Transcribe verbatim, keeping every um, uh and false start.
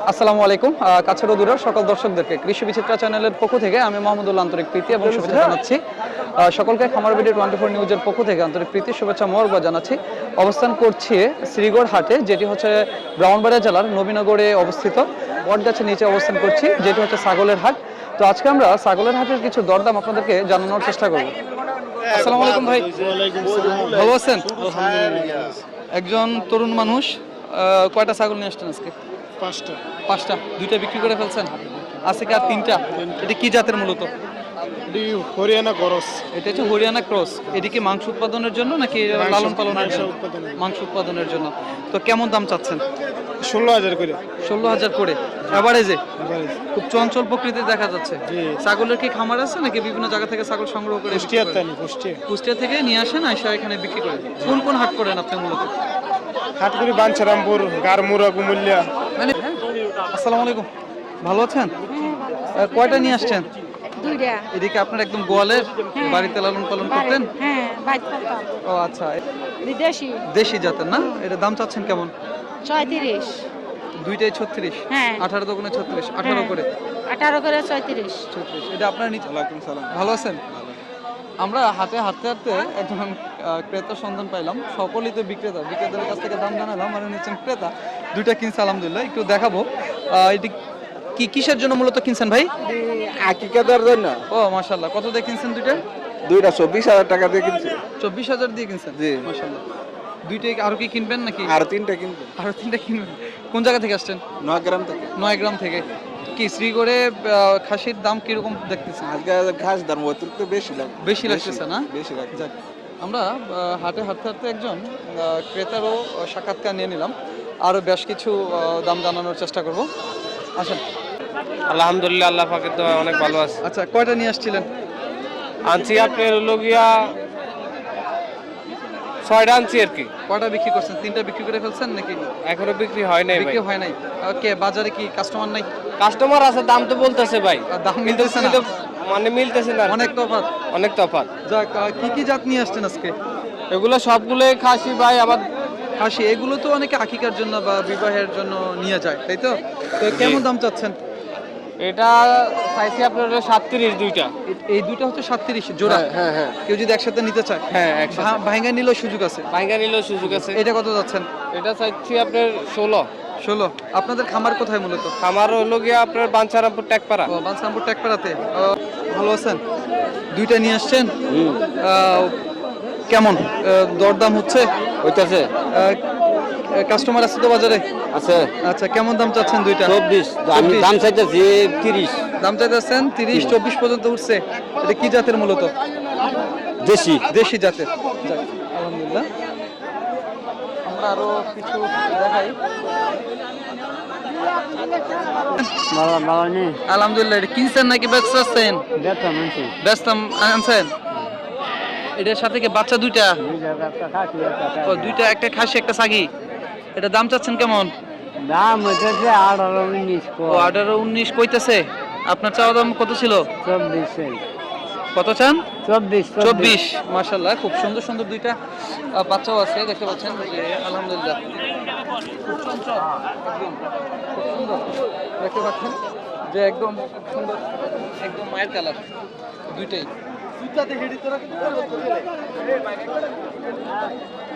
আসসালামু আলাইকুম। কাছের ও দূরের সকল দর্শকদেরকে কৃষি বিচিত্রা চ্যানেলের পক্ষ থেকে আমি মোহাম্মদুল আন্তরিক প্রীতি এবং শুভেচ্ছা জানাচ্ছি। সকলকে খামার ভিডিও টোয়েন্টি ফোর নিউজের পক্ষ থেকে আন্তরিক প্রীতি শুভেচ্ছা মোবারকবাদ জানাচ্ছি। অবস্থান করছি শ্রীগড় হাটে, যেটি হচ্ছে ব্রাহ্মণবাড়িয়া জেলার নবীনগরে অবস্থিত। বটগাছের নিচে অবস্থান করছি, যেটি হচ্ছে ছাগলের হাট। তো আজকে আমরা ছাগলের হাটের কিছু দরদাম আপনাদেরকে জানানোর চেষ্টা করব। আসসালামু আলাইকুম ভাই, ভালো আছেন? একজন তরুণ মানুষ, কয়টা ছাগল নিয়ে আসছেন আজকে? পাঁচটা। পাঁচটা? দুইটা বিক্রি করে ফেলছেন, আছে কি আর তিনটা? এটা কি জাতের মূলত? হরিয়ানা গরস। এটা হচ্ছে হরিয়ানা ক্রস। এটি কি মাংস উৎপাদনের জন্য নাকি লালন পালনের জন্য? মাংস উৎপাদনের জন্য। তো কেমন দাম চাচ্ছেন? ষোলো হাজার করে। ষোলো হাজার করে এভারেজে? খুব চঞ্চল প্রকৃতি দেখা যাচ্ছে। ছাগলের কি খামার আছে নাকি বিভিন্ন জায়গা থেকে ছাগল সংগ্রহ করে? কুষ্টিয়া থেকে নিয়ে আসেন, আইসা এখানে বিক্রি করে। কোন কোন হাট করেন আপনি মূলত? হাট করি বাঞ্ছারামপুর, গারমুরা, কুমিল্লা। মানে আসসালামু আলাইকুম, ভালো আছেন? কয়টা নিয়ে আসছেন? দুইটা। এদিকে আপনার একদম গোয়ালের বাড়িতে লালন পালন করতেন? হ্যাঁ, বাইত করতাম। ও আচ্ছা, বিদেশি। দেশি জাতের না? এটা দাম চাচ্ছেন কেমন? ছয়ত্রিশ। দুইটাই ছত্রিশ? হ্যাঁ। আঠারো দোকানে ছত্রিশ, আঠারো করে? আঠারো করে ছয়ত্রিশ। ছত্রিশ। এটা আপনার নিচে? ওয়ালাইকুম সালাম। ভালো আছেন? আমরা হাতে হাঁটতে হাঁটতে একজন ক্রেতার সন্ধান পাইলাম। সকলেই তো বিক্রেতা, বিক্রেতাদের কাছ থেকে দাম জানালাম, আর নিচ্ছেন ক্রেতা। দুইটা কিনছে আলহামদুলিল্লাহ, একটু দেখাবো। এটি কি কিসের জন্য মূলত কিনছেন ভাই? আকিকাদার জন্য। ও মাশাআল্লাহ, কত দিয়ে কিনছেন দুইটা? দুইটা চব্বিশ হাজার টাকা দিয়ে কিনছি। চব্বিশ হাজার দিয়ে কিনছেন? জি মাশাআল্লাহ। দুইটাই আরো কি কিনবেন নাকি? আর তিনটা কিনবো। আরো তিনটা কিনবেন? কোন জায়গা থেকে আসছেন? নয়গ্রাম থেকে। নয়গ্রাম থেকে। কি শ্রীগড়ে খাসির দাম কিরকম দেখতেছেন? আজকে ঘাস দাম অতিরিক্ত বেশি লাগে। বেশি লাগতেছে না? বেশি লাগে। যাক, আমরা হাটে হাঁটতে হাঁটতে একজন ক্রেতারও সাক্ষাৎকার নিয়ে নিলাম, আরো বেশ কিছু দাম জানানোর চেষ্টা করব। আসেন। আলহামদুলিল্লাহ, আল্লাহ পাকের দোয়া অনেক ভালো আছে। আচ্ছা, কয়টা নিয়ে আসছিলেন? আনছি আপনার লোগিয়া ছয়টা আনছি আর কি। কয়টা বিক্রি করছেন? তিনটা বিক্রি করে ফেলছেন নাকি? এখনো বিক্রি হয় নাই ভাই। বিক্রি হয় নাই? ওকে, বাজারে কি কাস্টমার নাই? কাস্টমার আছে, দাম তো বলতেছে ভাই। দাম মিলতেছে না? মানে মিলতেছে না, অনেক তফাৎ। অনেক তফাৎ। যাক, কি কি জাত নিয়ে আসছেন আজকে? এগুলো সবগুলোই খাসি ভাই। আবার খাসি এগুলো তো অনেকে আকিকার জন্য বা বিবাহের জন্য নিয়ে যায়, তাই তো? তো কেমন দাম চাচ্ছেন? এটা চাইছি আপনার সাতত্রিশ দুইটা। এই দুইটা হচ্ছে সাতত্রিশ জোড়া? হ্যাঁ হ্যাঁ। কেউ যদি একসাথে নিতে চায়? হ্যাঁ, ভাঙ্গা নিলেও সুযোগ আছে? ভাঙ্গা নিলেও সুযোগ আছে। এটা কত যাচ্ছেন? এটা চাইছি আপনার ষোলো। ষোলো? আপনাদের খামার কোথায় মূলত? খামার হলো গিয়ে আপনার বাঞ্ছারামপুর ট্যাকপাড়া। ও, বাঞ্ছারামপুর ট্যাকপাড়াতে। ভালো আছেন? দুইটা নিয়ে আসছেন? কেমন দরদাম হচ্ছে? হইতাছে। কাস্টমার আছে তো বাজারে? আছে। আচ্ছা, কেমন দাম চাচ্ছেন দুইটা? চব্বিশ। আমি দাম চাইতেছি তিরিশ। দাম চাইতেছেন তিরিশ? চব্বিশ পর্যন্ত উঠছে। এটা কি জাতের মূলত? দেশি। দেশি জাতের। যাক, আলহামদুলিল্লাহ। আমরা আরো কিছু দেখাই। আলহামদুলিল্লাহ। এটা কিনছেন নাকি বেচছেন? বেচতাম আনছেন। এটার সাথে কি বাচ্চা দুইটা? ও, দুইটা, একটা খাসি একটা ছাগি। এটা দাম চাচ্ছেন কেমন? দাম হইতেছে আঠারো উনিশ। ও, আঠারো উনিশ কইতেছে। আপনার চাওয়া দাম কত ছিল? চব্বিশ। কত চান? চব্বিশ। চব্বিশ। মাশাআল্লাহ, খুব সুন্দর সুন্দর দুইটা বাচ্চাও আছে, দেখতে পাচ্ছেন যে আলহামদুলিল্লাহ খুব চঞ্চল, একদম খুব সুন্দর দেখতে পাচ্ছেন যে একদম খুব সুন্দর, একদম মায়ের কালার দুইটাই।